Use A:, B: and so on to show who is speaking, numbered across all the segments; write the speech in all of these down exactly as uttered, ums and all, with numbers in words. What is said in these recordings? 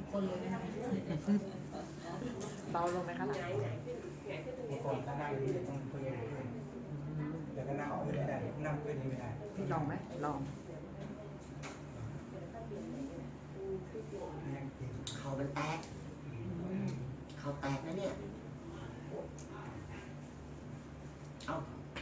A: คนเลยนะคะเบาลงไหมคะหลัง
B: เมื่อก่อนถ้านั่งนี่ต้องเพิ่มขึ้นแต่ก็นั่งขึ้นไม่ได้นั่งขึ้นนี่ไม่ได้
A: พี่ลองไหมลอง
B: ยังติด
C: เขามันแตกเขาแตกนะเนี่ยเอา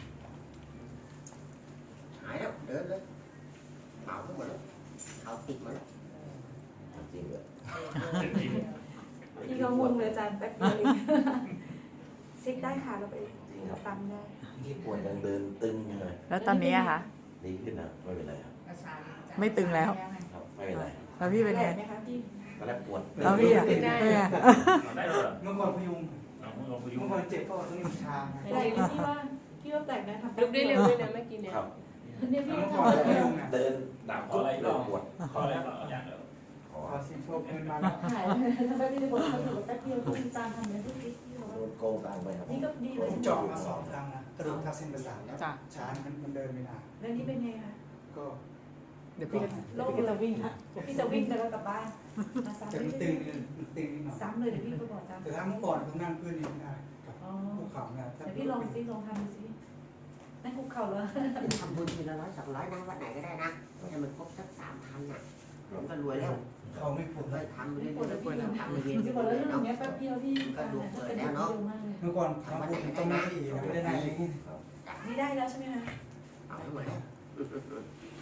C: หายแล้วเดินเลยเป่าทั้งหมดแล้วเขาติดมาแล้วจริงเลย
D: พี่ก็งงเลยอาจารย์แป๊บเดียวเองเช็คได้ค่ะเราไปซ้ำได้
C: ที่ปวดยังเดินตึงอยู่เลย
A: แล้วตอนนี้อะคะ
C: ดีขึ้นนะไม่เป็นไรครับ
A: ไม่ตึงแล้ว
C: ครับไม่เป็นไร
A: แล้วพี่เป็นไง
D: ไหมคะพี่
C: ตอนแรกปวด
A: แล้วพี่อะ
B: ติด
A: เป็นไง
E: ได้เหรอ
B: เมื่อก่อนพยุง
E: เอามือลงพยุง
B: เมื่อก่อนเจ็บก็ต้องมีชา
D: แปลกนะพี่ว่าพี่ว่าแปลกนะทำ
F: ลุกได้เร็วด้วยนะเมื่อกี้เนี่ย
C: ครับ
D: เนี่ยพี่
B: เมื่อ
D: ท
B: ก่อนพยุงนะ
C: เดินดับปุ๊บเริ่มปวด
E: ขอแล้วอย่างเดียว
C: ขอ
B: พอสิบโชคเงินมาแล้ว
D: ำหายทำไมพี่จะบอกเขาอยู่แป๊บเดียวพี่ตามทำเนี่ยพี่พี่
C: โดนโกงตังไปครับ
D: นี่ก็ดีเลย
B: ผมเจาะมาสองครั้งนะกระดูกทับเส้นประสาทแล้ว
A: จ้ะ
B: ชามันมันเดินไม่ได้
D: แล้วนี่เป็นไงคะ
B: ก็
A: เดี๋ยวพี่ก็เดี๋ยวพี่ก็จะวิ่งค่ะ
D: พี่จะวิ่งแต่เรากลับบ้านมาซ้ำ
B: แต่มันตึงนิดมันตึงนิดหน่อย
D: ซ้ำเลยเดี๋ยวพี่ก็บอกซ้ำ
B: แต่ถ้าเมื่อก่อนผมนั่งพื้นนี่ไม่ได้กับ
D: อ๋อ
B: ภูเขาเนี่ย
D: เดี๋ยวพี่ลองซิลองทำดูซินั่นคุกเข่าแล้ว
C: ทำบุญทีละร้อยสองร้อยนะวัดไหนก็ได้นะให้มันครบสักสามพันน่ะผมก็รวยแล้ว
B: เขาไม่ปวด
C: เล
B: เลย
C: ยทำไป
D: ไม่
C: เรื่
D: ปวดแล้วพี่
C: อยๆทำไปเรื่อย
D: พี่บอกแล้วเรื่อง
C: ๆ
D: เนี้ยแป๊บเดียวพี่การเนี่ยถ้าเป็นเร็วมากเลย
B: เมื่อก่อนทำบุญต้องนั่งอีกไม่ได้นั่งอย่างนี้
D: นี่ได้แล้วใช่ไหมคะ
C: เอาให้หมดแล้ว